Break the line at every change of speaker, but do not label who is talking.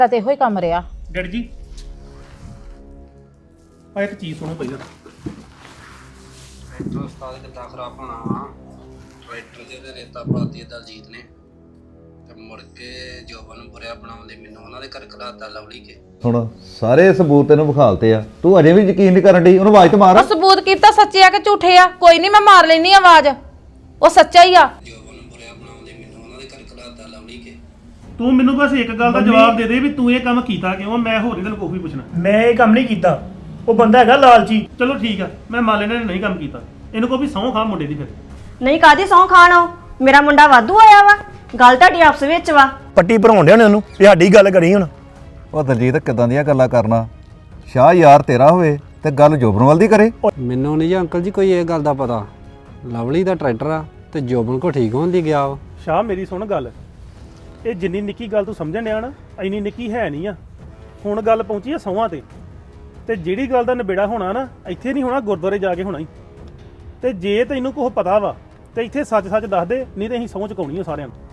ਤਾਂ ਤੇ ਇਹੋ ਹੀ ਕੰਮ ਰਿਹਾ।
ਡੈਡੀ ਜੀ ਆ ਇੱਕ ਚੀਜ਼ ਸੁਣੋ ਪਹਿਲਾਂ।
ਟਰੈਕਟਰ ਉਸਤਾਦ ਕਿੱਦਾਂ ਖਰਾਬ ਹੋਣਾ ਵਾ। ਟਰੈਕਟਰ ਦੇ ਰੇਤਾ ਪਾਤੀ ਦਲਜੀਤ ਨੇ ਤੇ ਮੁੜ ਕੇ ਜੋਬਨ ਬੁਰਿਆ ਬਣਾਉਂਦੇ ਮੈਨੂੰ ਉਹਨਾਂ ਦੇ ਘਰ ਖਲਾਤਾ ਲਵਲੀ ਕੇ।
ਹੁਣ ਸਾਰੇ ਸਬੂਤ ਤੈਨੂੰ ਵਿਖਾਲਤੇ ਆ, ਤੂੰ ਅਜੇ ਵੀ ਯਕੀਨ ਨਹੀਂ ਕਰਨ ਡਈ। ਉਹਨੂੰ ਆਵਾਜ਼ ਤੇ ਮਾਰ।
ਉਹ ਸਬੂਤ ਕੀਤਾ ਸੱਚੇ ਆ ਕਿ ਝੂਠੇ ਆ? ਕੋਈ ਨਹੀਂ ਮੈਂ ਮਾਰ ਲੈਣੀ ਆਵਾਜ਼, ਉਹ ਸੱਚਾ ਹੀ ਆ।
ਜੋਬਨ ਬੁਰਿਆ ਬਣਾਉਂਦੇ ਮੈਨੂੰ ਉਹਨਾਂ ਦੇ ਘਰ ਖਲਾਤਾ ਲਵਲੀ ਕੇ।
ਤੂੰ ਮੈਨੂੰ ਬਸ ਇੱਕ ਗੱਲ ਦਾ ਜਵਾਬ ਦੇ ਦੇ ਵੀ ਤੂੰ ਇਹ ਕੰਮ ਕੀਤਾ ਕਿਉਂ। ਮੈਂ ਹੋਰ ਨਹੀਂ ਤੈਨੂੰ ਕੋਈ ਵੀ ਪੁੱਛਣਾ।
ਮੈਂ ਇਹ ਕੰਮ ਨਹੀਂ ਕੀਤਾ, ਉਹ ਬੰਦਾ ਹੈਗਾ ਲਾਲਚੀ।
ਚਲੋ ਠੀਕ ਆ, ਮੈਂ ਮੰਨ ਲੈਣਾ ਨਹੀਂ ਕੰਮ ਕੀਤਾ। ਇਹਨੂੰ ਕੋਈ ਵੀ ਸਹੁੰ ਖਾ ਮੁੰਡੇ ਦੀ ਫਿਰ।
ਨਹੀਂ ਕਾਦੀ ਸਹੁੰ ਖਾਣ, ਮੇਰਾ ਮੁੰਡਾ ਵਾਧੂ ਆਇਆ ਵਾ, ਗੱਲ ਤੁਹਾਡੀ ਆਪਸ ਵਿੱਚ ਵਾ।
ਪੱਟੀ ਭਰਾਉਣ ਡਿਆ ਉਹਨੂੰ ਵੀ ਸਾਡੀ ਗੱਲ ਕਰੀ ਹੁਣ।
ਉਹ ਦਲਜੀਤ ਕਿਦਾਂ ਦੀਆਂ ਗੱਲਾਂ ਕਰਨਾ। ਸ਼ਾਹ ਯਾਰ ਤੇਰਾ ਹੋਵੇ ਤੇ ਗੱਲ ਜੋਬਨਵਾਲ ਦੀ ਕਰੇ।
ਮੈਨੂੰ ਨਹੀਂ ਜੀ ਅੰਕਲ ਜੀ ਕੋਈ ਇਹ ਗੱਲ ਦਾ ਪਤਾ। ਲਵਲੀ ਦਾ ਟਰੈਕਟਰ ਆ ਤੇ ਜੋਬਨ ਕੋ ਠੀਕ ਹੋਣ ਦੀ ਗਿਆ ਵਾ।
ਸ਼ਾਹ ਮੇਰੀ ਸੁਣ ਗੱਲ, ਇਹ ਜਿੰਨੀ ਨਿੱਕੀ ਗੱਲ ਤੂੰ ਸਮਝਣ ਡਿਆ ਨਾ ਇੰਨੀ ਨਿੱਕੀ ਹੈ ਨਹੀਂ ਆ। ਹੁਣ ਗੱਲ ਪਹੁੰਚੀ ਆ ਸਹੁੰਆਂ ਤੇ ਜਿਹੜੀ ਗੱਲ ਦਾ ਨਿਬੇੜਾ ਹੋਣਾ ਨਾ ਇੱਥੇ ਨਹੀਂ ਹੋਣਾ, ਗੁਰਦੁਆਰੇ ਜਾ ਕੇ ਹੋਣਾ ਹੀ। ਤੇ ਜੇ ਤੈਨੂੰ ਕੁਛ ਪਤਾ ਵਾ ਤੇ ਇੱਥੇ ਸੱਚ ਦੱਸ ਦੇ, ਨਹੀਂ ਤੇ ਅਸੀਂ ਸਹੁੰ ਚੁਕਾਉਣੀ ਆ ਸਾਰਿਆਂ ਨੂੰ।